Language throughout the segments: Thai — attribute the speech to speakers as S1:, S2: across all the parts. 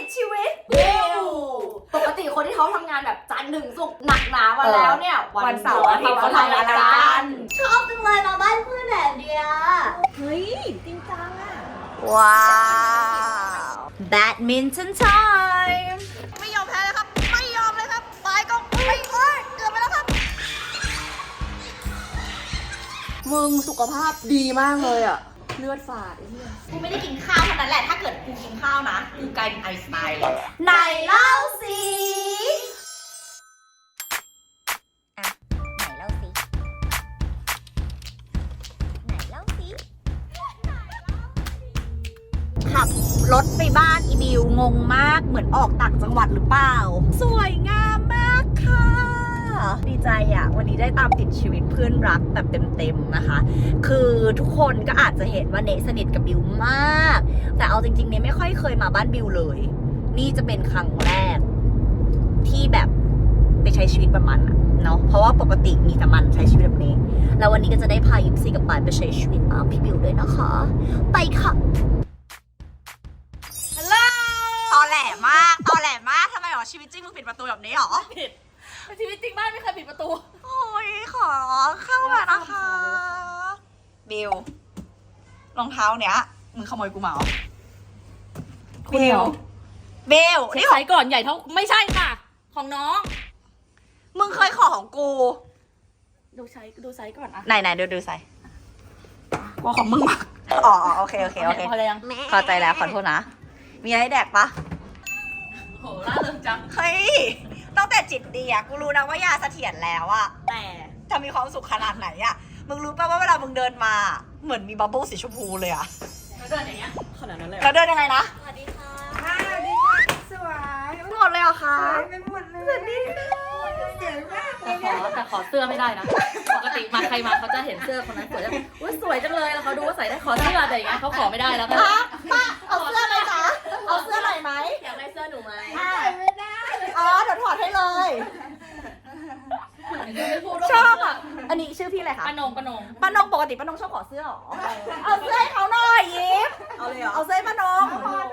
S1: ชีวิตปกติคนที่เขาทำงานแบบจันทร์ถึงศุกร์หนักหนามาแล้วเนี่ยวันเสาร์อาทิตย์เขาทำอะไรกันชอบจังเลยมาบ้านเพื่อนแบบเดียเฮ้ยจริงจังอะว้าวแบดมินตันไทม์ไม่ยอมแพ้เลยครับไม่ยอมเลยครับไปก็ไม่เอ้ยเกือบไปแล้วครับมึงสุขภาพดีมากเลยอะเลือดฝาดไอ้เหี้ยกูไม่ได้กินข้าวเท่านั้นแหละถ้าเกิดกูกินข้าวนะกูกลายเป็นไอน์สไตน์เลยไหนเล่าสิ
S2: ไหนเล่าสิขับรถไปบ้านอีบิวงงมากเหมือนออกต่างจังหวัดหรือเปล่าสวยงามมากค่ะดีใจอ่ะวันนี้ได้ตามติดชีวิตเพื่อนรักแบบเต็มๆนะคะคือทุกคนก็อาจจะเห็นว่าเนสนิทกับบิวมากแต่เอาจริงๆเนไม่ค่อยเคยมาบ้านบิวเลยนี่จะเป็นครั้งแรกที่แบบไปใช้ชีวิตแบบมันอะเนาะเพราะว่าปกติมีแต่มันใช้ชีวิตแบบนี้แล้ววันนี้ก็จะได้พายิปซีกับปายไปใช้ชีวิตตามพี่บิวด้วยนะคะไปค่ะฮัลโหลตอแหลมากทำไมหรอชีวิตจริงมึงปิดประตูแบบนี้หรอ
S1: ผิดชีวิตจริงบ้านไม่เคยปิดประตู
S2: โอ้ยขอเข้ามานะคะบิวรองเท้าเนี้ยมึงขโมยกูมาเหรอบิว
S1: นี่ไซส์ก่อนใหญ่เท่าไม่ใช่ค่ะของน้อง
S2: มึงเคยขอของกู
S1: ดูไซส์ก่อนอะ
S2: ไหนดูไซส์ว่าของมึงมากอ๋อโอเค
S1: พอแล้วยัง
S2: เข้าใจแล้วขอโทษนะมีอะไรให้แดกปะ
S1: โหล่าเริงจัง
S2: เฮ้ยตั้งแต่จิตดีอะกูรู้นะว่ายาเสถียรแล้วอะ
S1: แต่
S2: จะมีความสุขขนาดไหนอะมึงรู้ป่ะว่าเวลามึงเดินมาเหมือนมีบับเบิ้ลสีชมพูเลยอะ
S1: แล้วเดินอย่างเงี้ยขนาดนั้นเลย
S2: แล้วเดินยังไงนะ
S1: สวัสดีค่ะ
S3: สวัสดีค่ะสวย
S2: หมดเลยเหรอคะ
S3: ไปหมดเลยสวัสดีค่ะเจ๋งมาก
S1: แต่ขอเสื้อไม่ได้นะปกติมาใครมาเขาจะเห็นเสื้อคนนั้นสวยจังอุ้ยสวยจังเลยแล้วเขาดูว่าใส่ได้ขอเสื้อแต่อย่างเงี้ยเขาขอไม่ได้แล้วค่ะ
S2: ป้าเอาเสื้อไหมจ๊ะเอาเสื้อหน่อยไหม
S1: อยากได้เสื้อหนูไหม
S3: ไม่ได้
S2: อ๋อเดี๋ยวถอดให้เลยชอบอ่ะอันนี้ชื่อพี่อะไรคะ
S1: ป้านง
S2: ปกติป้านงชอบขอเสื้อหรอเอาเสื้อให้เขาหน่อยยิปเอาเลยเหรอเอาเสื้อให้ป้านง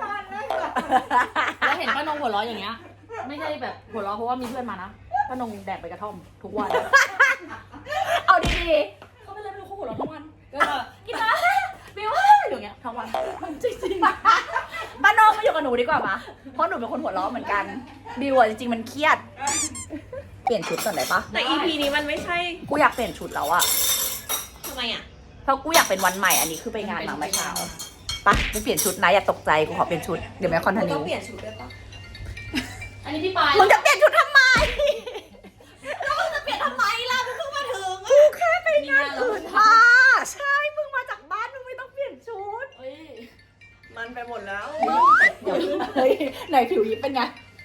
S1: แล้วเห็นป้านงหัวเราะอย่างเงี้ยไม่ใช่แบบหัวเราะเพราะว่ามีเพื่อนมานะป้านงแดกไปกระท่อมทุกวัน
S2: เอาดี
S1: ๆเขาไม่เลยไม่รู้เขาหัวเราะทุกวันก็กินนะบิวอย่างเงี้ยทั้งวันจริง
S2: ๆป้านงมาอยู่กับหนูดีกว่าปะเพราะหนูเป็นคนหัวเราะเหมือนกันบิวจริงๆมันเครียดเปลี่ยนชุดก่อนได้ปะ
S1: แต่ EP นี้มันไม่ใช่
S2: กูอยากเปลี่ยนชุดแล้วอะ
S1: ทำไมอะ
S2: เพราะกูอยากเป็นวันใหม่อันนี้คือไปงานมาเมื่อเช้าปะไปเปลี่ยนชุดนะอย่าตกใจกูขอเปลี่ยนชุดเดี๋ยวแม่คอนทันนิว
S3: ต้องเปลี่ยนชุดได้ปะ
S1: อันนี้พี่ปาย
S2: มึงจะเปลี่ยนชุดทำไมแล้วมึงจะเปลี่ยนทำไมล่ะมึงเพิ่งมาถึงกูแค่ไปงานอื่นมาใช่มึงมาจากบ้านมึงไม่ต้องเปลี่ยนชุด
S3: มันไปหมดแล้ว
S2: เดี๋ยวเฮ้ยไหนผิวยิบเป็นไง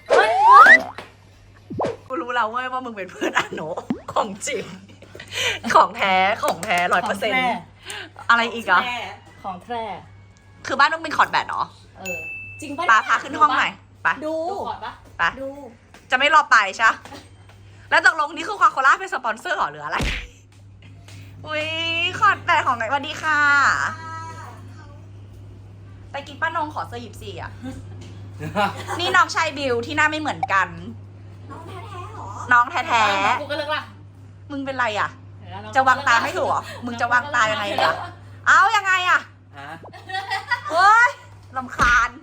S2: กูรู้แล้วเว้ยว่ามึงเป็นเพื่อนอาโนของจริงของแท้100%อะไรอีกอ่ะ
S1: ของแท้
S2: คือบ้านมึงเป็นคอร์ดแบดเหรอ
S1: จริงป่ะ
S2: ปาพาขึ้นห้องหน่อยไป
S1: ดูคอร์ดป่ะ
S2: ไปดูจะไม่รอไปใช่แล้วตกลงนี่คือควาโคล่าเป็นสปอนเซอร์หรอหรืออะไรอุ้ยคอร์ดแบดของไงสวัสดีค่ะไปกินป้านงขอเสื้อยิปซีอ่ะนี่น้องชายบิวที่หน้าไม่เหมือนกันน้องแท้ๆ
S1: กูก็เลิกละ
S2: มึงเป็นไรอ่ะจะวางตาไม่ถูกเหรอมึงจะวางตายังไงอ่ะเอายังไงอ่ะเฮ้ยรำคาญ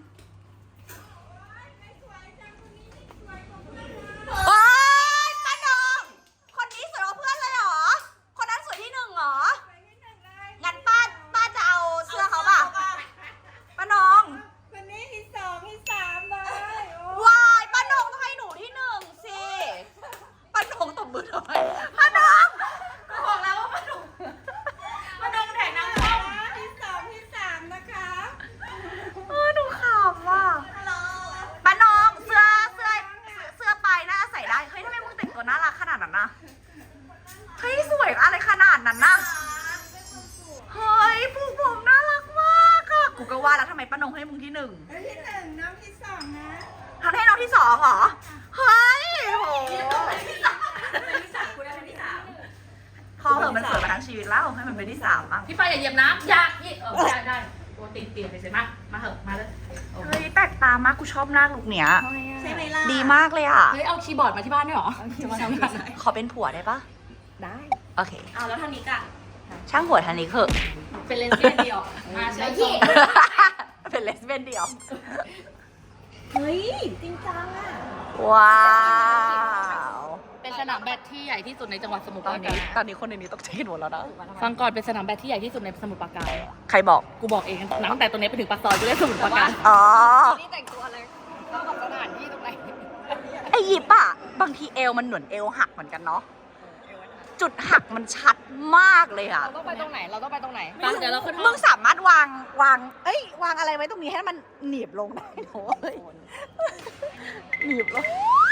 S2: โอ๊ยป้านงคนนี้สวยกว่าเพื่อนเลยเหรอคนนั้นสวยที่หนึ่งเหรองั้นป้าจะเอาเสื้อเขาป่ะป้านง
S3: วันนี้ที่2ที่3เลยว
S2: ายป้านงต้องให้หนูที่1สิป้านงตบมือทำไมป้านง
S1: บอกแล้วว่าป้านงแดกน้ำส้ม
S3: ที่2ที่3นะคะ
S2: หนูขำว่ะป้านงเสื้อปลายหน้าใส่ได้เฮ้ยทำไมมึงแต่งตัวน่ารักขนาดนั้นนะเฮ้ยสวยอะไรขนาดนั้นนะเฮ้ยผูกผมน่ารักมากอะกูก็ว่าแล้วทำไมป้านงให้มึงที่1
S3: ที่1น้องที่2นะ
S2: ทำให้น้องที่2เหรอเฮ้ยโห
S1: เป็นที่3คุณได้เป็นที่3
S2: พอเถอะมันสวยมาทั้งชีวิตแล้วให้มันเป็นที่3บ้าง
S1: พี่ปายอย่าเหยียบน้ำอยากได้
S4: ตัวติดเปลี่ยนไปเลยมาเหอะมาเลย
S2: เฮ้ยแปลกตามากกูชอบหน้าลุกเนี้ย
S1: ใช่ไหมล่ะ
S2: ดีมากเลยอ่ะ
S4: เฮ้ยเอาคีย์บอร์ดมาที่บ้านด้วยเหรอ
S2: ขอเป็นผัวได้ปะ
S3: ได้
S2: โอเค
S1: เอาแล้วทางนี้กะ
S2: ช่างผัวทันนี้เถอะ
S4: เป็นเลสเบี้ยนเดียวมาเชิญ
S2: เป็นเลสเบี้ยนเดียว
S3: เฮ้ย จริงจังอ่ะ
S2: ว้าว
S4: เป็นสนามแบดที่ใหญ่ที่สุดในจังหวัดสมุทรปราการ
S2: ตอนนี้คนในนี้ตกใจกันหมดแล้วนะ
S4: ฟังก่อนเป็นสนามแบดที่ใหญ่ที่สุดในสมุทรปราการ
S2: ใครบอก
S4: กูบอกเองตั้งแต่ตรงนี้ไปถึงปากซอยกูเรียกสมุทรปราการ
S2: อ๋อ
S4: นี่แต่งตัวอะไรเข้ากับสถานที่ตรงไหน
S2: ไอยิปอะบางทีเอวมันเหมือนเอวหักเหมือนกันเนาะ จุดหักมันชัดมากเลยอะ
S4: เราต้องไปตรงไหนเดี๋ยวเราขึ้นห้
S2: มึ
S4: อง
S2: งสามารถวางวางอะไรไว้ตรงนี้ให้มันหนีบลงได้โถ่เอ้ยหนีบลง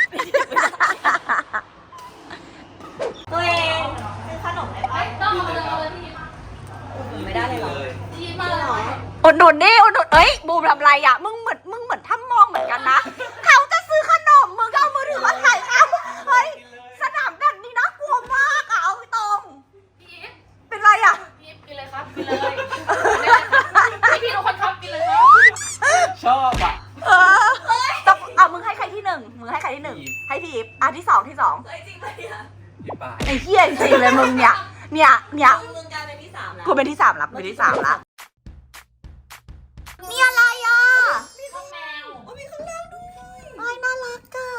S1: ตัวเองซื้อขนมได้ปะ
S4: ต้องเอาเลยพี่
S1: ไม่ได้เลยเหรอ
S4: พี่มาเลย
S2: อุดหนุนดิอุดหนุนเอ้ยบูมทำไรอะมึงเหมือนถ้ามองเหมือนกันนะ เขาจะซื้อขนมมึงก็เอามือถือมาถ่ายเขาเฮ้ยสนามแบบนี้น่ากลัวมากอะเอาตรง
S4: พี่
S2: เป็นไรอะ
S4: พี่กินเลยครับกินเลยพี่ทุกคนครับกินเลยครับ
S5: ชอบอ่ะ
S2: ต้องเอามึงให้ใครที่หนึ่งมึงให้ใครที่หนึ่งให้พี่อีฟที่สอง
S5: พี่ปาย
S2: ไอ้เหี้ยจริงเลยมึงเนี่ย
S1: มึงกลายเป็นที่ 3 แล้ว
S2: กูเป็นที่ 3ละเป็นที่ 3ละนี่อะไรอ่ะ
S4: ข้าวแมว
S2: ไม่น่ารักอ่ะ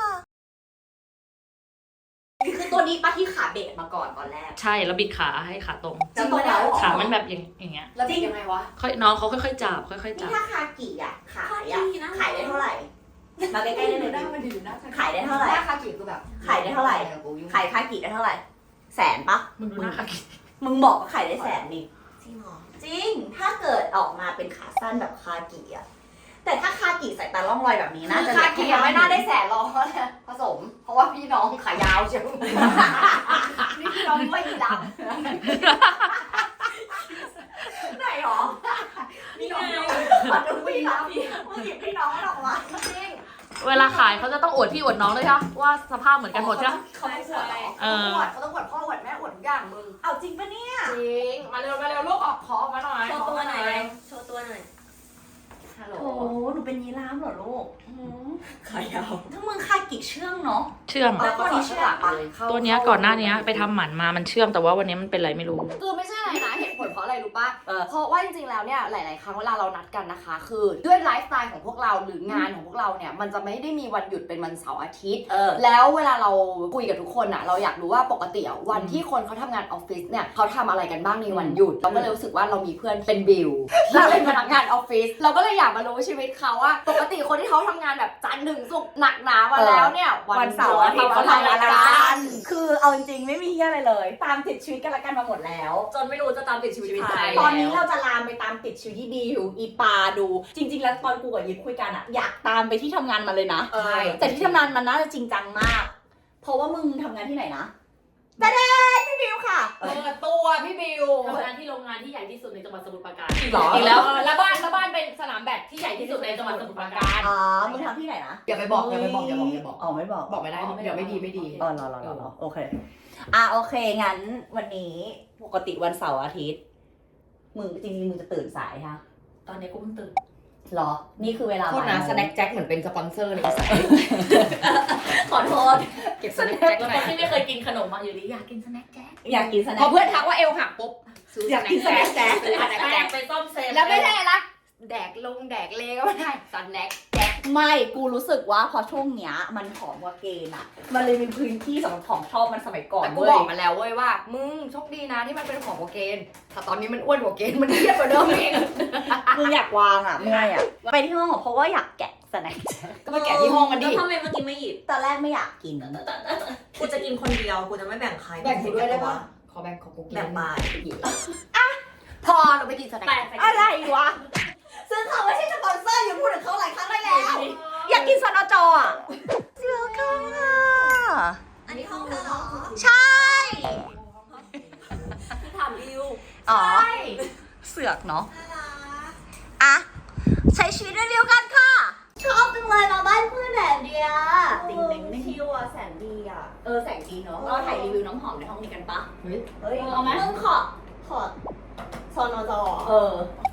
S1: คือตัวนี้ป้าที่ขาเบะมาก่อนตอนแรก
S4: ใช่แล้วบิดขาให้ขาตรง
S1: จริงปะเนี่ย
S4: ขามันแบบอย่างเงี้ย
S1: แล้วบิดยังไงวะ
S4: ค่อยน้องเขาค่อยๆจับค่อยๆ
S1: นี่
S4: จับ
S1: ถ้าคากิอ่ะขายได้เท่าไหร่ มาใกล้ๆได้เลยขายได้เท่าไหร่คากิคือแบบขายได้เท่าไหร่ขายคากิได้เท่าไหร่แสนปะ
S4: มึงดูหน้าขากิ
S1: มึงบอกว่าขายได้แสนนี่จริงเหรอจริง ถ้าเกิดออกมาเป็นขาสั้นแบบคากิอ่ะแต่ถ้าคากิใส่ตาล่องรอยแบบนี้น่าจะ
S6: คากิไม่น่าได้แสนหรอกผสม เพราะว่าพี่น้องขายาวเชียวนี่พี่น้องไม่ด
S1: ไหนหรอ
S6: ำนี่ไง
S1: มันดูพี่น้องมึงหยิบพี่น้องมันออกมา
S4: เวลาขายเขาจะต้องอวดพี่อวดน้องเลยใช่ปะว่าสภาพเหมือนกันหมดใช่ปะ
S6: เขาต้องอวดเหรอ
S4: เออ
S6: เขาต้องอวดพ่ออวดแม่อวดทุกอย่างมึง
S1: เอาจริงปะเนี่ย
S6: จริง มาเร็วลูกออกขอออกมาหน่อย
S1: โชว์ตัวหน่อยโชว์ตัวหน่อย
S6: ฮัลโหล
S1: โอ้หนูเป็นยีราฟเหรอลูก
S6: ขายาว
S1: ถ้ามึงคากิเชื่องเนาะ
S4: เชื่อม
S1: แล้วตัวนี้เชื่องปะ
S4: ตัวเนี้ยก่อนหน้านี้ไปทำหมันมามันเชื่อมแต่ว่าวันนี้มันเป็นอะไรไม่รู้
S6: คือไม่ใช่อะไรนะเหตุผลเพราะอะไรรู้ป่ะ
S1: เออ
S6: เพราะว่าจริงๆแล้วเนี่ยหลายๆครั้งเวลาเรานัดกันนะคะ คือด้วยไลฟ์สไตล์ของพวกเราหรืองานของพวกเราเนี่ยมันจะไม่ได้มีวันหยุดเป็นวันเสาร์อาทิตย์ แล้วเวลาเราคุยกับทุกคนอ่ะเราอยากรู้ว่าปกติอ่ะวันที่คนเขาทำงานออฟฟิศเนี่ยเขาทำอะไรกันบ้างในวันหยุดเราก็เลยรู้สึกว่าเรามีเพื่อนเป็นบิลเราเป็นพนักงานออฟฟิศเราก็เลยอยากมารู้ชีวิตเขาว่าปกติคนที่เขาทำงานแบบจันทร์ถึงศุกร์หนักหนามาแล้วเนี่ยวันเสาร์อาทิตย์เขาทำอะไรกัน
S1: คือเอาจริงๆไม่มีเฮียอะไรเลย ตามติดชีวิตกันละกันมาหมดแล้ว
S6: จนไม่รู้จะตามติดชีวิตใคร
S1: ตอนนี้เราจะลามไปตามติดชีวิตที่ดีอยู่อีปาดู จริง ๆ แล้วตอนกูกับยิปคุยกันอะอยากตามไปที่ทำงานมันเลยนะ
S6: ใช่
S1: แต่ที่ทำงานมันน่าจะจริงจังมาก เพราะว่ามึงทำงานที่ไหนนะแดดพี่บิวค่ะ
S6: เปิดตัวพี่บิว
S4: ทำงานที่โรงงานที่ใหญ่ที่สุดในจังหวัดสมุทรปราการ
S1: หรอ
S4: อีกแล้ว
S6: แล้วบ้านเป็นสนามแบดที่ใหญ่ที่สุดในจังหวัดสมุทรปราการ
S1: อ๋อมึงทำที่ไหนนะ
S6: อย่าไปบอกอย่าบอก
S1: อ๋อไม่บอก
S6: บอกไม่ได้เดี๋ยวไม่ดี
S1: อ๋อรอโอเคโอเคงั้นวันนี้ปกติวันเสาร์อาทิตย์มึงจริงๆมึงจะตื่นสายค่ะ
S4: ตอนนี้กูเพิ่งตื่น
S1: หรอนี่คือเวลา
S6: โทษนะสแน็คแจ็คเหมือนเป็นสปอนเซอร์เลย
S1: ขอโทษ
S6: เก็บสแน็คแจ็ค
S4: ค
S6: หน่อย
S4: นที่ไม่เคยกินขนมมาอยู่ดีอยากกินสแน็คแจ๊ก
S1: อยากกินสแน็
S6: พอ
S1: ค
S6: เพื่อนทักว่าเอวหักปุ๊บซื้อ
S1: อยากกินสแน็คแจ๊ค
S6: ซื้อสแน็คแจ็ค
S4: ไปซ่อมเซฟ
S6: แล้วไม่ใช่ละแดกลงแดกเลก็ไม่ได้สแน็คแจ็ค
S1: ไม่กูรู้สึกว่าพอช่วงเนี้ยมันผอมกว่าเกณฑ์อะมันเลยมีพื้นที่สำหรับของชอบมันสมัยก่อน
S6: แต่กู
S1: เว้
S6: บ
S1: ย
S6: อกมาแล้วเว้ยว่ามึงโชคดีนะที่มันเป็นของโอเกนแต่ตอนนี้มันอ้วนกว่าเกนมันเครียดกว่าเดิมอีก
S1: คืออยากวางอะเมื่อยอะไปที่ห้องอะเพราะว่าอยากแกะสแน็ค
S6: ก็ไปแกะที่ห้องมันดิ
S3: แล้วทำไมเมื่อกี้ไม่หยิบ
S1: ตอนแรกไม่อยากกิน
S3: กูจะกินคนเดียว กูจะไม่แบ่งใคร
S6: แบ่งกูด้วยได้ปะขอแบ่งของกูกิน
S3: แบ่งบาย
S6: พอเราไปกินสแน็ค
S1: อะไรวะซึ่งเขาไม่ใช่สปอนเซอร์อยู่พูดถึงเขาหลายครั้งได้แล้ว อยากกินสนจอะเสือค่ะ
S3: อันนี้ห้องเธอเหรอ
S1: ใช่
S3: ที่ถามริว
S1: อ๋อเสือกเนาะอะใช้ชีวิตเร็วๆกันค่ะ ชอบจังเลยมาบ้านเพื่อนแดดเดียติงติงติง
S3: ชิวอ่ะแสนดีอ่ะ
S1: แสงดีเนาะเราถ่ายรีวิวน้ำหอมในห้องนี้กันปะ
S6: เฮ้ย
S1: เฮ้ย
S3: เอาไหม
S1: มึงขอ
S3: ซอนอจอ
S1: อ่ะ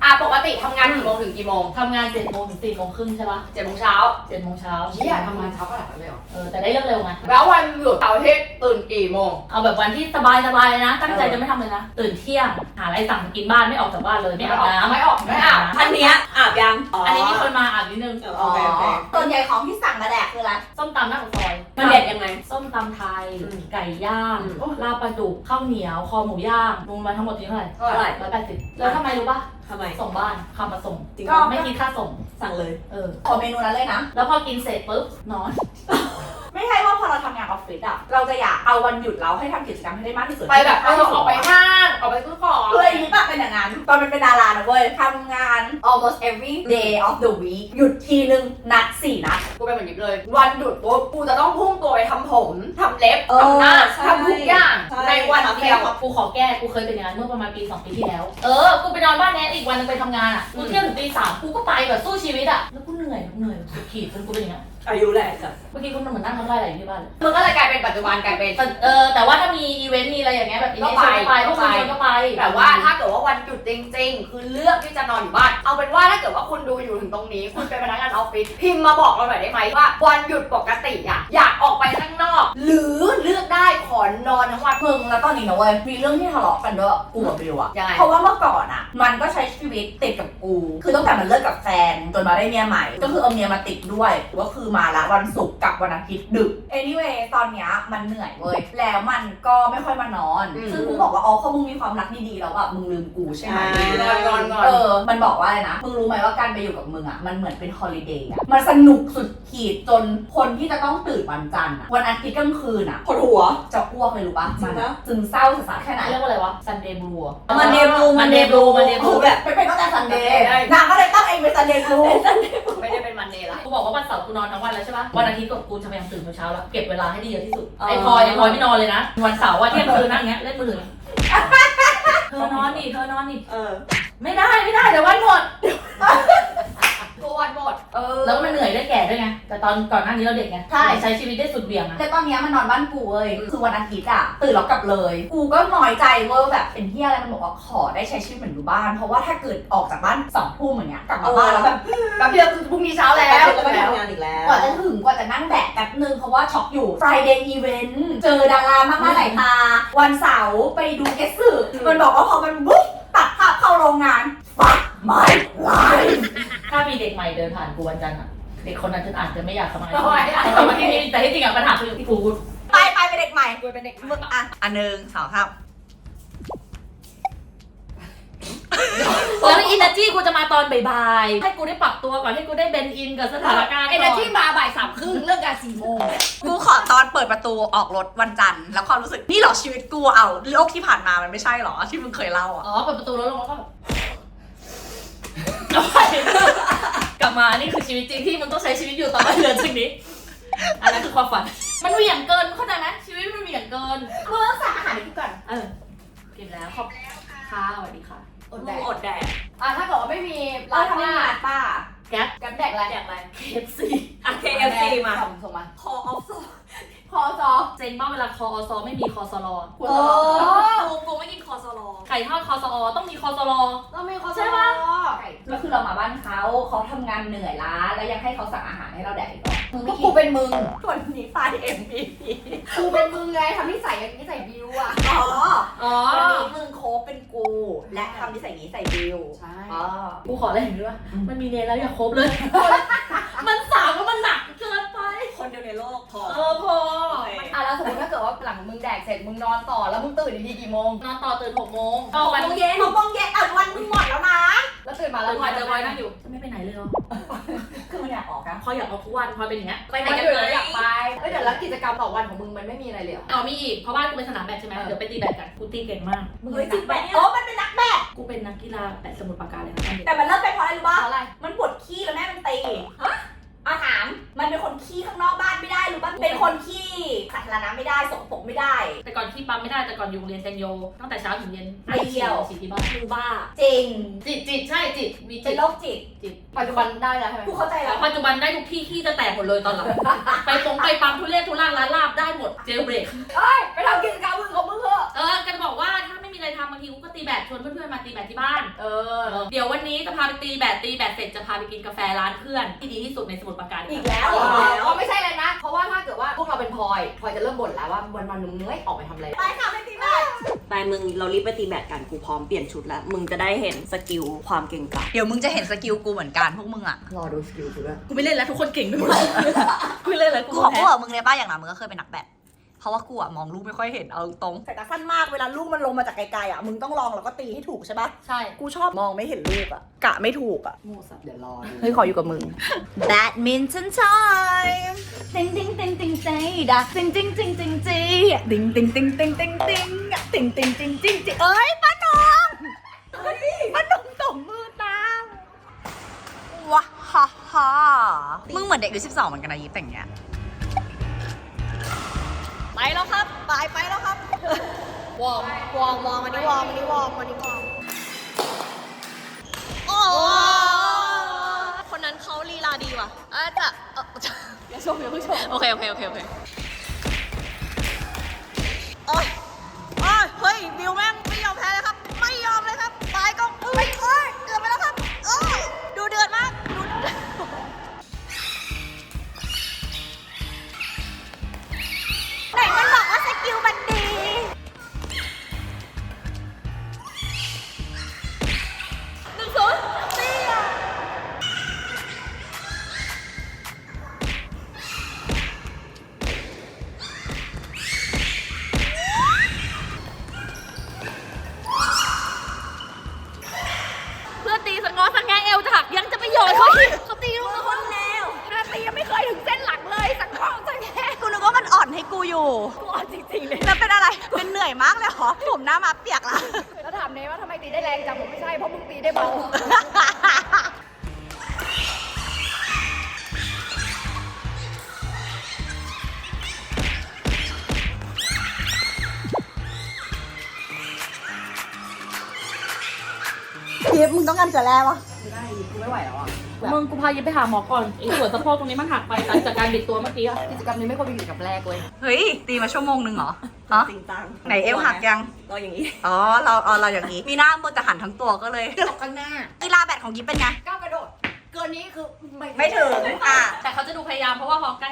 S6: ปกติทำงานกี่โมงถึงกี่โมง
S4: ทำงาน7 โมงถึง4 โมงครึ่งใช่ปะ
S6: 7 โมงเช้า
S4: 7 โมงเช้า
S6: เชี่ยทำงานเช้าขนาดนั้นเลยเหรอ
S4: แต่ได้เลิกเร็วไง
S6: แล้ววันหยุดเสาร์อาทิตย์ตื่นกี่โมง
S4: เอาแบบวันที่สบายเลยนะ ตั้งใจจะไม่ทำเลยนะ ตื่นเที่ยง หาอะไรสั่งกินบ้านไม่ออกจากบ้านเลย ไม่อาบน้ำ
S6: ไม่ออกไม่อาบ
S2: อันเนี้ยอาบยัง
S4: อันนี้มีคนมาอาบนิดนึง
S2: โอเคส่วนใหญ่ของที่สั่งมาแดกคืออะไร
S4: ส้มตำหน้าปากซอย
S2: มันเด็ดยังไง
S4: ส้มตำไทย ไก่ย่างลาบปลาดุกข้าวเหนียว คอหมูย่างรวมมาทั้งหมดที่เท่าไหร่
S2: เท่าไหร่
S4: 180แล้วทำไมรู้ปะ
S2: ทำไม
S4: ส่งบ้านคำมาส่ง
S2: จริง
S4: ก็
S2: ปะ
S4: ไม่คิดค่าส่ง
S2: สั่งเลย
S4: ขอเมนูนั้นเลยนะ แล้วพอกินเสร็จปุ๊บนอน
S2: ไม่ใช่ว่าพอเราทำงานออฟฟิศอะเราจะอยากเอาวันหยุดเราให้ทำกิจกรรมให้ได้มากที่สุด
S6: ไปแบบออกไปห้างออกไปซื้อของ
S2: คือไอ้นี่ปะเป็นอย่างนั้นตอนเป็นดารานะเว้ยทำงาน almost every day of the week หยุดทีนึงนัด4 นัด
S6: กูเป็นเหมือนนี้เลย วันหยุดปุ๊บกูจะต้องพุ่งตัวไปทำผมทำเล็บ
S2: เออ
S6: ทำหน้า
S2: ใช่
S6: ทำทุกอย่าง
S2: ใช่
S6: ในวันเดียว
S4: กูขอแก้ กูเคยเป็นอย่างนั้นเมื่อประมาณปี 2 ปีที่แล้ว กูไปนอนบ้านแนทอีกวันนึงไปทำงานอ่ะ กูเที่ยวถึงตี 3 กูก็ไปแบบสู้ชีวิตอ่ะ แล้วกูเหนื่อยสุดขีดจนกูเป็นอย่างนี้
S2: อายุแหละจ้ะ
S4: เมื่อกี้กูเหมือนนั่งน้ำลายไหลอยู่ที่บ้านเลย
S6: มึงก็เลยกลายเป็นปัจจุบันกลายเป็น
S4: แต่ว่าถ้ามีอีเวนต์มีอะไรอย่างเงี้ยแบบอีเวนต์
S6: ก็
S4: ไป
S6: ไป
S4: พวกคุณก็ไป
S6: แต่ว่าถ้าเกิดว่าวันหยุดจริงๆ คือเลือกที่จะนอนอยู่บ้าน เอาเป็นว่าถ้าเกิดว่าคุณดูอยู่ถึงตรงนี้ คุณเป็นพนักงานออฟฟิศพิมพ์มาบอกเราหน่อยได้ไหมว่าวันหยุดปกติอะอยากออกไปข้างนอก หรือเลือกได้ขอนอนทั้งวัน
S2: มึงแล้วตอนนี้นะเว้ยมีเรื่องที่ทะเลาะกันด้วยกูกับบิวอะ
S6: ยังไง
S2: เพราะว่าเมื่อก่อนอะมันก็ใช้ชีวิตติดกับกู คือตั้งแต่มันเลิกกับแฟนจนมาได้เมียใหม่ ก็คือเอาเมียมาติดด้วยก็คือมาละวันศุกร์กับวันอาทิตย์ดึก anyway ตอนเนี้ยมันเหนื่อยเว้ยแล้วมันก็ไม่ค่อยมานอน ซึ่งกูบอกว่าอ๋อเพราะมึงมีความรักดีๆแล้วแบบมึงลืมกูใช่ไหม
S6: งอน
S2: มันบอกว่าอะไรนะ มึงรู้ไหมว่าการไปอยู่กับมึงอ่ะ มันเหมือนเป็นฮอลิเดย์อ่ะ มันสนุกสุดขีดจนคนที่จะต้องตื่นวันจันทร์อ่ะ วันอาทิตย์กลางคืนอ่ะปวดหัว จะอ้วกเลยรู้ปะมันอะซึมเศร้าสาแค่ไหน
S4: เรียกว่าอะไรวะ Sunday Blue อะ
S2: Monday Blue
S4: Monday Blue Monday
S2: กู
S4: Blue
S2: แบบเป็นก็แต่ซันเดย์นางก็เลยตั้งเองเป็นซันเดย์กู
S6: ไม่ได้เป็นมันเดย์ละ
S4: กูบอกว่าวันเสาร์กูนอนทั้งวันแล้วใช่ปะวันอาทิตย์กูจะพยายามตื่นเช้าแล้ว เก็บเวลาให้ดีเยอะที่สุด ไอ้พลอยไม่นอนเลยนะ วันเสาร์ว่าเที่ยงคืนนั่งอย่างเงี้ยเล่นมือถือเธอนอนดิไม่ได้เดี๋ยววันหมด
S6: กูวันหมด
S4: แล้วก็มันเหนื่อยได้แก่ด้วยไง แต่ตอนก่อนหน้านี้เราเด็กไง ใช้ชีวิตได้สุดเบี่ยงอะ
S2: แต่ตอนเนี้ยมันนอนบ้านกูเว้ย คือวันอาทิตย์อ่ะตื่นแล้วกลับเลย กูก็น้อยใจเว้ยแบบเป็นเฮียอะไรมันบอกว่าขอได้ใช้ชีวิตเหมือนอยู่บ้าน เพราะว่าถ้าเกิดออกจากบ้าน2 ทุ่มอย่างเงี้ยกลับมาบ้านแล้วแบบ
S6: แป๊บเดียวคือพรุ่งนี้เช้าแล้ว
S2: ก็ไปทำงานอีกแล้ว กว่าจะถึงกว่าจะนั่งแบกแป๊บนึงเพราะว่าช็อกอยู่ Friday Event เจอดารามากหน้าหลายตา วันเสาร์ไปดูเกสสึมันบอกว่าพอมันบุ๊บตัดภาพเข้าโรงงาน fuck my life
S4: ถ้ามีเด็กใหม่เดินผ่านกูวันจันทร์อะเด็กคนนั้นฉันอาจจะไม่อยากทำงาน
S6: ทำไมอะ
S4: แต่ที่จริงอะปัญหาคือกู
S2: ไปเป็นเด็กใหม่
S6: กูเป็นเด็ก
S2: มึงอ่ะอันหนึ่งสองครับ
S4: แล้วอินเนอร์จีกูจะมาตอนบ่ายๆให้กูได้ปรับตัวก่อนให้กูได้เบนอินกับสถานการณ์
S6: ไอ้นั่นที่มาบ่าย 3:30เลิกงาน4 โมง
S2: กูขอตอนเปิดประตูออกรถวันจันทร์แล้วความรู้สึกนี่เหรอชีวิตกูเอาโลกที่ผ่านมามันไม่ใช่เหรอที่มึงเคยเล่าอ่ะ
S4: อ๋อเปิดประตูแล้วลงแล้วก็แบบกลับมานี่คือชีวิตจริงที่มึงต้องใช้ชีวิตอยู่ต่อไปเดือนจริงนี้อันนั้นคือความฝันมันเหวี่ยงเกินเข้าใจไหมชีวิตมันเหวี่ยงเกิน
S2: มึงต้องสั่งอาหารให้กูก่อน
S4: กินแล้วขอบค่ะสวัสดีค่ะ
S6: อดแดก
S2: อดแดก
S6: ถ้าเกิดว่าไม่มี
S2: เราทำงานป้า
S4: แก๊ป
S6: แกแดกอะไร
S4: KFC
S2: อ่ะ KFC มา
S6: ส่งมา
S2: คอออฟโซ
S6: พอซอ
S4: เซ็งมากเวลาคอซอไม่มีคอสลอ
S2: กูไม่กินคอสโล
S4: ไก่ทอดคอสอต้องมีคอสลอ
S6: ต้องมีคอซอ
S4: ใช่ปะ
S2: ก็คือเรามาบ้านเขาทำงานเหนื่อยล้าแล้วยังให้เขาสั่งอาหารให้เราแดกอีกเหรอมึง
S6: ก็
S2: ไม่กิ
S6: กู
S2: น
S6: เป็นมึง
S2: คนนี้ไฟ MVP
S6: กูเป็นมึงไงทำนิสัยอย่างนี้ใส่บิวอ่ะ
S2: อ๋อ
S4: อ๋อ
S2: วันนี้มึงโค้กเป็นกู และทำนิสัยนี้ใส่บิว
S6: ใช่
S2: อ๋อ
S4: กูขออะไรอย่างนี้ว่ามันมีเนรแล้วอย่าครบเลย มันสาวแล้วมันหนักเกินไป
S2: คนเดียวในโลกพอ
S4: พอ
S6: แล้วสมมติถ้าเกิดว่าหลังมึงแดกเสร็จมึงนอนต่อแล้วมึงตื่นอีกทีกี่โมง
S4: นอนต่อตื่น6 โมง
S2: 6 โมงเย็น6 โมงเย็นอ่ะวันมึงหมดแล้วนะ
S6: แล้วตื่นมา
S4: แล้
S6: แล้ว ว
S4: พลอยเจอพลอยนั่งอยู่จะไม่ไปไหนเลยเหรอ
S2: คือมันอยากออกนะ
S4: พลอยอยากออกทุกวันพลอยเป็นอย่างเงี้ยไปไหน
S6: มัน
S4: กัน
S6: อยู่
S4: เล
S6: แล้ว
S4: ย
S6: อยากไปเดี๋ยวแล้วกิจกรรมต่อวันของมึงมันไม่มีอะไรเลยเหรอ
S4: มีอีกเพราะบ้านกูเป็นสนามแบดใช่ไหมเดี๋ยวไปตีแบดกันกูตีเก่งมาก
S2: มึงเป็นนักแบดโอ้มันเป็นนักแบด
S4: กูเป็นนักกีฬาแบดสมุทรปราการเลยค่ะ
S2: แต่มันเริ่มเป็นเพราะอะไรรู้
S6: เพ
S2: ป่ะ
S6: ราะอะไร
S2: มันปวดขี้แล้วแม่มันตีถาม มันเป็นคนขี้ข้างนอกบ้านไม่ได้รู้ป่ะ เป็นคนขี้สาธารณะไม่ได้สกปรกไม่ได้
S4: แต่ก่อนที่ปั๊มไม่ได้แต่ก่อนอยู่โรงเรียนเซนโยตั้งแต่เช้าถึงเย็น
S2: ไม่เที่ยว
S4: ฉีดที่บ้าน
S2: มึงบ้า จริง
S4: จิตใช่จิตมี
S2: เป็
S4: จิ
S2: น
S4: ต
S2: โรคจิต
S6: ปัจจุบันได้แล้วใช่ไหม
S2: กูเข้าใจแล้ว
S4: ปัจจุบันได้ทุกที่ขี้จะแตกหมดเลยตอนหลัง ไปปั๊มทุเรศทุล่างร้านลาบได้หมดเจลเบรก
S6: ไปทำกิจกรรมมึงของมึงเถอะ
S4: ก็จะบอกว่าถ้าไม่มีอะไรอะไรทำบางทีกูก็ตีแบดชวนเพื่อนๆมาตีแบดที่บ้านเดี๋ยววันนี้จะพาไปตีแบดเสร็จจะพาไปกินกาแฟร้านเพื่อนที่ดีที่สุดในสมุทรปราการ
S1: อีกแล้ว
S6: ก็ไม่ใช่เลยนะ เพราะว่าถ้าเกิดว่าพวกเราเป็นพลอยจะเริ่มบ่นแล้วว่าวันๆนึงไม่ออกไปทำอะไร
S1: ไปค่ะไปตีแบด
S2: ไปมึงเรารีบไปตีแบดกันกูพร้อมเปลี่ยนชุดแล้วมึงจะได้เห็นสกิลความเก่งกาจเดี๋ยวมึงจะเห็นสกิลกูเหมือนกันพวกมึงอ่ะ
S6: รอดูสกิลกูด้วย
S4: กูไม่เล่นแล้วทุกคนเก่งไปหมดกูไม่เล่นแล้ว
S2: กูขอพูดกับมึงเลยป้าอย่างนั้นมึงก็เคยเป็นนักแบดเพราะว่ากูอะมองลูกไม่ค่อยเห็นเอาตรง
S3: สายตาสั้นมากเวลาลูกมันลงมาจากไกลๆอ่ะมึงต้องลองแล้วก็ตีให้ถูกใช่ปะ
S4: ใช่
S3: กูชอบมองไม่เห็นลูกอ่ะกะไม่ถูกอ่ะ
S6: โง่สับเดี๋ยวรอดู
S3: เฮ้ยขออยู่กับมึง
S2: Badminton time
S3: ติงติงติงติงใจดักติงติงติงติงจีติงติงติงติงติงติงติงติงติงติงติงเอ้ยป้าหนุ่มป้าหนุ่มตบมือตาม
S2: ว้าฮ่าฮ่ามึงเหมือนเด็กอายุ12เหมือนกันนะยิปแต่งเงี้ย
S3: ไปแล้วครับไปแล้วครับวอร์มอันนี้วอร์มโอ้คนนั้นเขาลีลาดีว่ะจะอย่าชมโอเคโอ้ยเฮ้ยบิวแม่งไม่ยอมแพ้เลยครับไม่ยอมเลยครับตายก็เอ้ยเดือดไปแล้วครับดูเดือดมากไหนมันบอกว่าสกิลมันดี1-0นี่อ่ะ
S4: เพื่อนตีสงอสังแงเอวจะหักยังจะไปโยนเขาอีกเขาตีลูกคนแนว
S3: ตียังไม่เคยถึงเส้นหลังเลยสักข้อสักแค่
S2: กูนึกว่ามันอ่อนให้กูอยู่
S3: กูอ่อนจริงๆเลย
S2: แล้วเป็นอะไร เป็นเหนื่อยมากเลยเหรอผมหน้ามาเปียกละ
S3: แล้วถามเนว่าทำไมตีได้แรงจังผมไม่ใช่เพราะมึงตีได้เบา ทีฟมึงต้องการเกลือแร่ปะ
S6: ไม่ได้กูไม่ไหวแล้วอ่ะ
S4: มึงกูพายิปไปหาหมอก่อนไอ้ส่วนสะโพกตรงนี้มันหักไปหลังจากการบิดตัวเมื่อกี้อะ
S6: กิจกรรมนี้ไม่ควรเป็นกิจกรรมแรกเว้ย
S2: เฮ้ย ตีมาชั่วโมงนึงเหรอฮะ
S3: จริงจัง
S2: ไหนเอวหักยัง
S3: ก็อย่างนี้
S2: อ๋อ เราอย่างนี้ มีหน้ามือแต่หันทั้งตัวก็เลย
S6: ตกข้างหน้า
S2: กีฬาแบดของยิปเป็นไง
S6: ก้าวกระโดด เกินนี้คือ
S2: ไม่ถึง
S4: แต่เขาจะดูพยายามเพราะว่าพอใกล้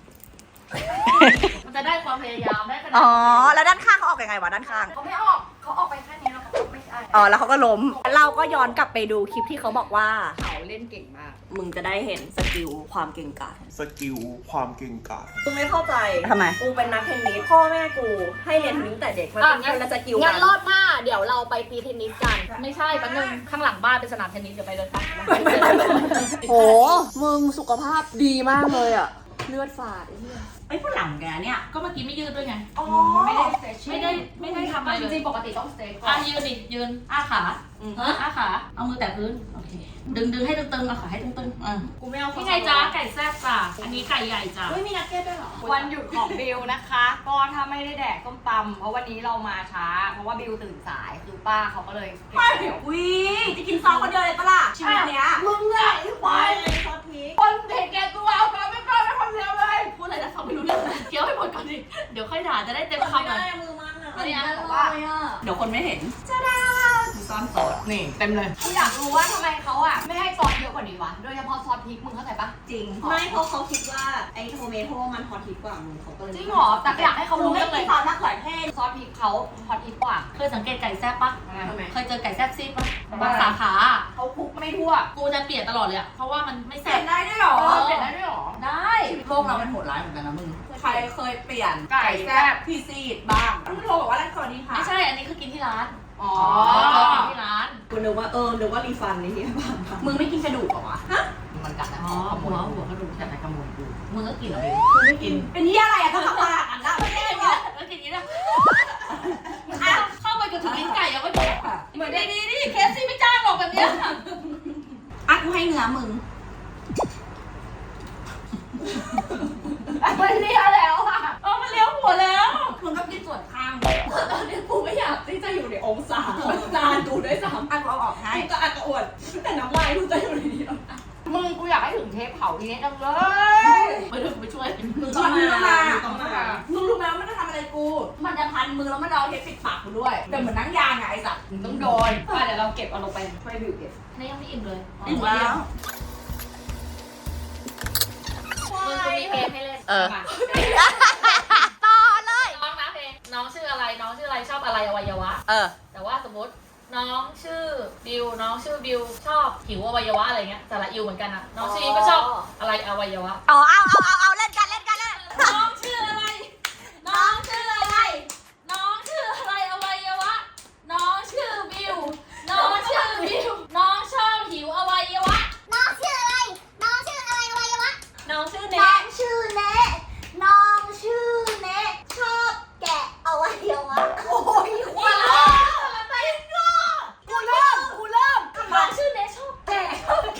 S4: มันจะได้ความพยายามได้ขนาด
S2: อ๋อ แล้วด้านข้างเขาออกยังไงวะด้านข้าง
S6: เขาไม่ออก เขาออกไปแค่นี้แล้วเขาไม่ใช่
S2: อ๋อ แล้วเขาก็ล้ม
S3: เราก็ย้อนกลับไปดูคลิปที่เขาบอกว่า
S6: เขาเล่นเก่งมาก
S2: มึงจะได้เห็นสกิลความเก่งกาจ
S7: สกิลความเก่งกาจ
S3: กูไม่เข้าใจ
S2: ทำไม
S3: กูเป็นนักเทนนิสพ่อแม่กูให้เรียนเทนนิสแต่เด็กมันเป็นคนละสกิล
S1: งั้
S3: กัน น
S1: รอบหน้าเดี๋ยวเราไปตีเทนนิสกัน
S4: ไม่ใช่แป๊บนึงข้างหลังบ้านเป็นสนามเทนนิสเดี๋ยวไปเลยค่ะ
S6: โห มึงสุขภาพดีมากเลยอ่ะ เลือดฝาด
S2: ไอ้ผู้หลังแกเนี่ย
S4: ก็เมื่อกี้ไม่ยืดด้วยไง
S3: อ๋อ
S4: ไม่ได้ทำอะไร
S6: จ
S4: เลย
S6: ริงๆปกติต้องสเตย์ก่อ
S4: อ่ะ
S6: น
S4: ยืนดิยืนอ้าขาอ้าขาเอามือแตะพื้นโอเคดึงให้ตึงๆเอาขาให้ตึงๆ
S3: กูไม่เอา
S4: นี่ไงจ้าไก่แซ่บจ้าอันนี้ไก่ใหญ่จ้า
S3: เฮ้ยมีนักเก็ตด้วยเหรอ
S1: วันหยุดของบิวนะคะ ก็ถ้าไม่ได้แดกส้มตำเพราะวันนี้เรามาช้า เพราะว่าบิวตื่นสายคือป้าเขาก็เลยเก็บเดี๋ยว
S2: วิจะกินซอสคนเดียวเลยปะล่ะชีวิตเนี้ย
S1: มึงอะไอ้ควาย
S3: ซอสพริก
S1: คนเห็นแกตัวเอาไปไม่กล้าไม่คนเดียวเลย
S4: พูดอะไรนะฟังไม่รู้เรื่องเลยเคี้ยวให้หมดก่อนดิเดี๋ยวค่อยด่าจะได้เต็มคำเลย
S3: มือมันอ่ะ
S4: อันนี้นะ
S1: ว่า
S2: เดี๋ยวคนไม่เห็นซ่อนซอส
S6: นี่เต็มเลย
S1: กูอยากรู้ว่าทำไมเขาอะไม่ให้ซอสเยอะกว่านี้วะ โดยเฉพาะซอสพริกมึงเข้าใจปะ
S3: จริง ไม่เพราะเขาคิดว่าไอ้โทเมโต้มันฮอตฮิตกว่ามึงเขาก็เลย
S1: จริงเหรอ แต่อยากให้เขา
S3: กู
S1: รู้
S3: ไม่
S1: เรื่อง
S3: กิ
S1: เล
S3: น
S1: ย
S3: ซอสมะเขือเทศ
S1: ซอสพริกเขาฮอตฮิตกว่า
S4: เคยสังเกตไก่แซ่บปะ
S1: ทำไม
S4: เคยเจอไก่แซ่บซีดปะบางสาขา
S1: เขาคลุกไม่ทั่ว
S4: กูจะเปลี่ยนตลอดเลยอะเพราะว่ามันไม่
S3: เป
S4: แซ่
S3: ลี่ย
S4: บ
S3: นได้ด้วยเหรอ
S1: เปลี่ยนได้ด้วยเหรอ
S4: ได้
S2: โลกเรามันโหดร้ายเหมือนกันนะมึง ใครเคยเปลี่ยน
S1: ไก่แซ่บ
S2: พี่ซีดบ้างมึงโทรบอกว่าร้านสวัสดีค่ะ
S4: ไม่ใช่อันนี้คือกินที่ร้าน
S1: อ๋อ
S4: กินที่ร้าน
S3: กูนึกว่านึกว่ารีฟันนี่ที่บ้าน
S2: มึงไม่กินกระดูกเหรอวะ
S6: มันกัดนะ
S4: อ๋อหัวกระดูก
S6: กัดแต่ขโมยกู
S4: มึงก็กินเหรอเบล
S2: มึงไม่กิน เป็นที่อะไรอะต้องทำอะไรอันละ
S4: ไม่ได้กินแล้วกินอย่างนี้นะเข้าไปจนถึงลิ้นไก่ยังไม่พอเหมือนดีๆนี่เคสซี่ไม่จ้างหรอกแบบเนี้ย
S2: อ่ะกูให้เนื้อมึง
S1: มันเลี้ยแล้วอะ
S4: มันเลี้ยวหัวแล้ว
S2: มึงก็กินส่วนข้าง
S3: ตอนนี้กูไม่อยากที่จะอยู่ในองศาจานกูด้วยซ้ำ
S2: อ่ะกูเอาออกให้
S3: กูก็อักกระอ่วนแต่น้ำลายกูจะอยู่ในนี้
S1: มึงกูอยากให้ถึงเทปเผาทีนี้จังเลย
S4: ไปด้วยไปช่วย
S2: มึงต้องมามึงรู้ไหมว่ามันจะทำอะไรกู มันจะพัน
S3: มือแล้วมันเอาเทปปิดปากกูด้วยแต่เหมือนนั่งยางไงไอ้สัตว์มึงต้องโดน
S6: เดี๋ยวเราเก็บเอาลงไปช่วยบิวเก็บ
S4: นี่ยังไม่อิ่มเลย
S3: อิ่มแล้ว
S4: มึงกูมีเพลงให้เล่น
S2: เออ
S4: มา
S2: ต่อเลย
S4: น้องนะเพลงน้องชื่ออะไรน้องชื่ออะไรชอบอะไรอวัยวะ
S2: เออ
S4: แต่ว่าสมมติน้องชื่อบิวน้องชื่อบิวชอบหิวอวัยวะอะไรเงี้ยสระอิวเหมือนกันอะน้องชื่ออิวก็ชอบอะไรอวัยวะ
S2: เอาเล่นกัน
S4: น้องชื่ออะไร น้องชื่ออะไร น้องชื่ออะไรอวัยวะ น้องชื่อบิว น้องชื่อบิว น้องชอบหิวอวัยวะ
S1: น้องชื่ออะไร น้องชื่ออะไรอวัยวะ
S4: น้องชื่อ
S1: น้
S4: เน็
S1: อก งชื่อเนะน้องชื่อเนะชอบแกะอวัยวะ โอ้ย
S4: ว้าวอะไรก็
S3: กูเริ่ม
S4: น้องชื่อเน็กชอบแกะ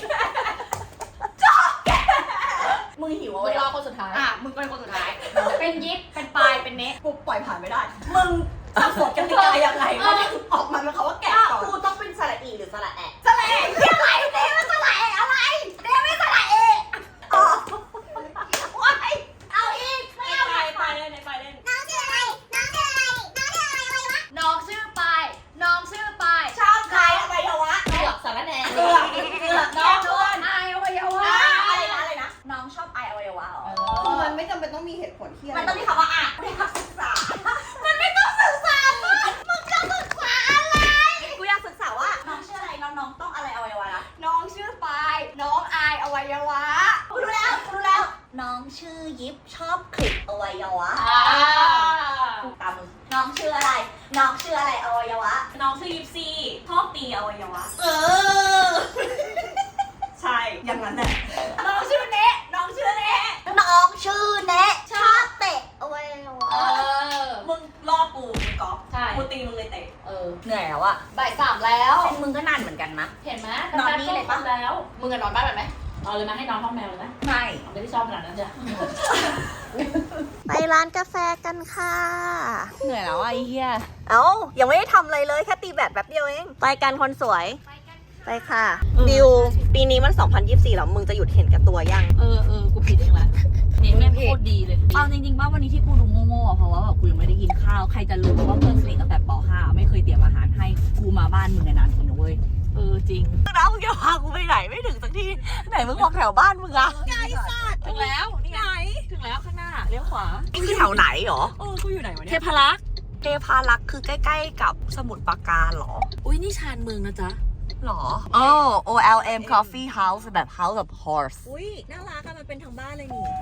S3: มึงหิว
S4: มึ
S3: เอา
S4: ง
S3: ไว้
S4: รอคนสุดท้าย
S3: อ่ะมึงเป็นคนสุดท้าย เป็นยิปเป็นปลายเป็นเนะกูปล่อยผ่านไม่ได้ มึงสับสนกันยังไงยังไงมันออกมาเป็นคำว่าแกะก่อนกูต้องเป็นสระอีหรือสระแอะสระเอะที่อะไรเนะมันสระเอะอะไรเนะไม่สระเอะอ๋อว้ายเอาอีกไม่เอา
S4: ไปเล่นไปเล่น
S1: น้องชื่ออะไร น้องชื่ออะไร น้องชื่ออะไรอวัยวะ
S3: น้องชื่อปายน้องชื่อปาย
S2: ชอบใครอวัยวะ
S4: เกือบสารแหน่
S2: เกือบน้องด้วย
S3: ไออวัยวะ
S2: อะไรนะ
S3: น้องชอบไออวัยวะเหรอ
S6: คือมันไม่จำเป็นต้องมีเหตุผลที่อะไร
S2: มันต้องมีคำว่าอ่ะไม่อยากศึกษา
S1: มันไม่ต้องศึกษามึงจะศึกษาอะไร
S2: กูอยากศึกษาว่าน้องชื่ออะไรน้องต้องอะไรอวัยวะนะ
S3: น้องชื่อปายน้องไออวัยวะ
S2: กูรู้แล้ว น้องชื่อยิปชอบคลิปอวัยวะตามมึงน้องชื่ออะไร น้องชื่ออะไรอวัยวะ
S3: น้องชื่อยิปซีชอบตีอวัยวะ
S2: เออ
S3: ใช่อย่างนั้นแหละน้องชื่อเนะน้องชื่อเนะ
S2: น้องชื่อเนะชอบเตะอวัยวะ
S3: มึงล่อกูมึงก๊อฟ
S4: ใช่
S3: กูตีมึงเลยเตะ
S2: เหนื่อยแล้วอะ
S6: บ่ายสามแล้ว
S2: มึงก็นานเหมือนกันนะ
S4: เห็นไหม
S2: นอนนี่เลยปะ
S4: แล้ว
S6: มึงกันนอนบ้านแบบไหม
S4: เอาเลยไหมให้น้องห้องแมวเลยไหม
S2: ไม่
S4: ไม่ได้ชอบขนาดนั้นจ้ะ
S2: ไปร้านกาแฟกันค่ะ เหนื่อยแล้วไอ้เหี้ยเอ้ายังไม่ได้ทำอะไรเลยแค่ตีแบตแป๊บเดียวเองไปกันคนสวย ไปค่ะบิวปีนี้มัน 2024 แล้วมึงจะหยุดเห็นกับตัวยัง
S4: กูผิดเองแหละนี่แม่งโคตรดีเลย
S3: เอาจริงๆว่าวันนี้ที่กูดูโง่ๆอ่ะเพราะว่าแบบกูยังไม่ได้กินข้าวใครจะรู้ว่าเพื่อนสนิทตั้งแต่ป .5 ไม่เคยเตรียมอาหารให้กูมาบ้านมึงนานๆทีนะเว้ยจริง
S2: แล้วมึงจะพากูไปไหนไม่ถึงสักทีไหนมึงบอกแถวบ้านมึงอะไกลสัตว์
S3: ถึงแล้วนี่ไงถึงแล้วข้างหน้าเลี้ยวขวา
S2: นี่คือแถวไหนหรอ
S3: กูอยู่ไหนวะ
S2: เท
S3: เนี่ย
S2: พารักษ์เทพารักษ์คือใกล้ๆกับสมุทรปราการหรอ
S3: อุ้ยนี่ชานเมืองนะจ๊ะ
S2: หรออ๋อ OLM Coffee House แบบ House of Horse
S3: อุ้ยน่ารักอะมันเป็นทางบ้านเลยนี่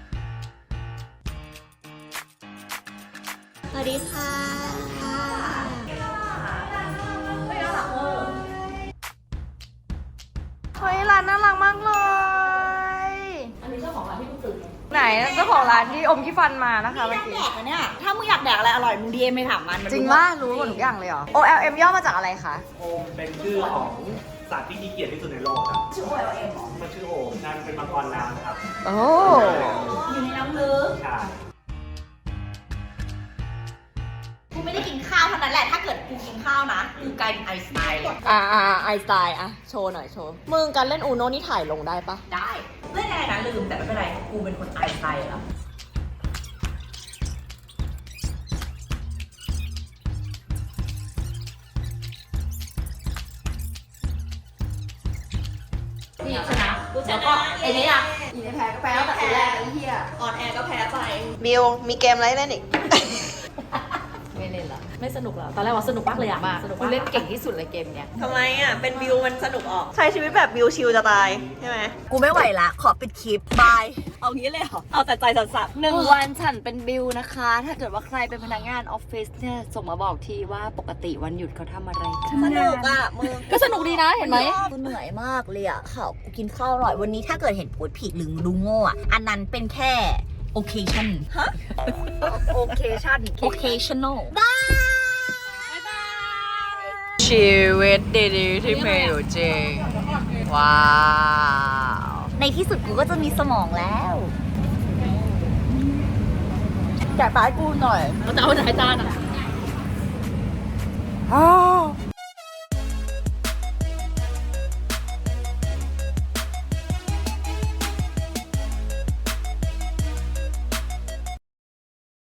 S2: สวัสดีค่ะเฮ้ยร้านน่ารักมากเลย
S4: อันนี้เจ้าของร้านที่กูตื่น
S6: ไหนเจ้าของร้านที่อมขี้ฟันมานะคะเมื่อกี้
S3: แดกอะเนี่ยถ้ามึงอยากแดกอะไรอร่อยมึงดีเอ็มไปถามมัน
S6: จริงว่ารู้หมดทุกอย่างเลยเหรอ OLM ย่อมาจากอะไรคะ
S8: โอมเป็นชื่อของสัตว์ที่ขี้เกียจที่สุดในโลกครับ ชื่อโอเอ็มมันชื่อโอมนั่นเป็นมังกรน้ำครับ
S6: โอ้
S3: อยู่ในน้ำลึก
S8: ใช่
S2: กูไม่ได้กินข้าวเท่านั้นแหละ ถ้าเกิดกูกินข้าวนะ กูกลายเป็นไอน์สไตล์เลย
S6: ไอสไตล์โชว์หน่อยโชว์ มึงการเล่นอูโนนี่ถ่ายลงได้ปะ
S2: ได้เล่นอะไรนะลืมแต่ไม่เป็นไร กูเป็นคนไอน์สไตล์แล้ว
S4: นี่ชนะแล้วก็ไอ้นี่อ่ะ
S6: อีนี่แพ้ก็แพ้ตั้งแต่ทีแรกไอ้เหี้ย
S3: ออนแอร์ก็แพ้ไป
S2: บิว มีเกมอะไรเล่นอีก
S4: ไม่เล่นละไม่สนุกแล้วตอนแรกว่าสนุกมากเลยอ่ะสนุก
S6: กู
S4: มาก
S6: เล่นเก่งที่สุดเลยเกมเนี้ย
S2: ทำไมอ่ะ เป็นบิวมันสนุกออก ใช้ชีวิตแบบบิวชิลจะตาย ใช่ไหม กูไม่ไหวละ ขอปิดคลิป บาย เอางี้เลยเหรอ เอาแต่ใจสัตว์
S6: 1 วันฉันเป็นบิวนะคะ ถ้าเกิดว่าใครเป็นพนักงานออฟฟิศเนี่ยส่งมาบอกทีว่าปกติวันหยุดเขาทำอะไรกัน
S2: สนุกอ่ะมึง
S6: ก็สนุกดีนะเห็นไหม
S2: กูเหนื่อยมากเลยอ่ะข่าวกูกินข้าวอร่อยวันนี้ถ้าเกิดเห็นพูดผิดหรือดูโง่อ่ะ อันนั้นเป็นแค่ occasion
S6: โอเคชั่น
S2: occasional
S6: ชีวิตดีๆที่มีอยู่จริง ว้าว
S2: ในที่สุดกูก็จะมีสมองแล้ว
S6: แกะปลายกูหน่อย
S4: เราจะเอาไหนจานอ่ะ